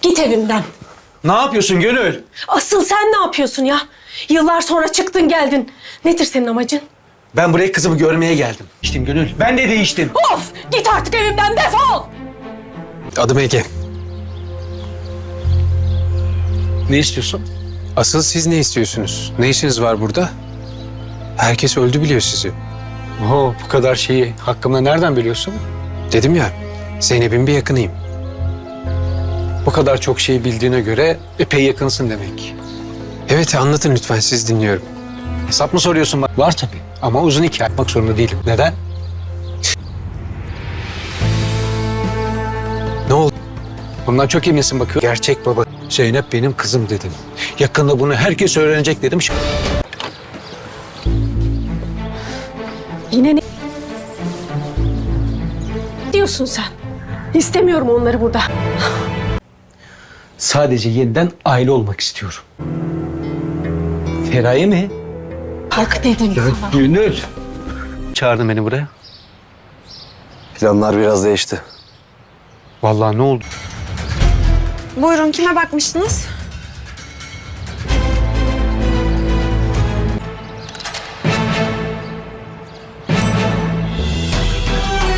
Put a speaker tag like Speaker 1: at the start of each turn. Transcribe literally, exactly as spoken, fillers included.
Speaker 1: Git evimden.
Speaker 2: Ne yapıyorsun Gönül?
Speaker 1: Asıl sen ne yapıyorsun ya? Yıllar sonra çıktın geldin. Nedir senin amacın?
Speaker 2: Ben buraya kızımı görmeye geldim. İşte Gönül. Ben de değiştim.
Speaker 1: Of! Git artık evimden, defol!
Speaker 3: Adım Ege.
Speaker 2: Ne istiyorsun?
Speaker 3: Asıl siz ne istiyorsunuz? Ne işiniz var burada? Herkes öldü biliyor sizi.
Speaker 2: Oo, bu kadar şeyi hakkımda nereden biliyorsun?
Speaker 3: Dedim ya, Zeynep'in bir yakınıyım.
Speaker 2: Bu kadar çok şey bildiğine göre epey yakınsın demek.
Speaker 3: Evet, anlatın lütfen, siz dinliyorum.
Speaker 2: Hesap mı soruyorsun bana? Var tabii ama uzun hikaye yapmak zorunda değilim. Neden?
Speaker 3: Ne oldu?
Speaker 2: Bundan çok eminsin bakıyor. Gerçek baba Zeynep benim kızım dedim. Yakında bunu herkes öğrenecek dedim.
Speaker 1: Yine ne diyorsun sen? İstemiyorum onları burada.
Speaker 2: Sadece yeniden aile olmak istiyorum. Feraye mi?
Speaker 1: Bak dedim sana.
Speaker 2: Gönül. Çağırdın beni buraya.
Speaker 4: Planlar biraz değişti.
Speaker 2: Vallahi ne oldu?
Speaker 5: Buyurun, kime bakmıştınız?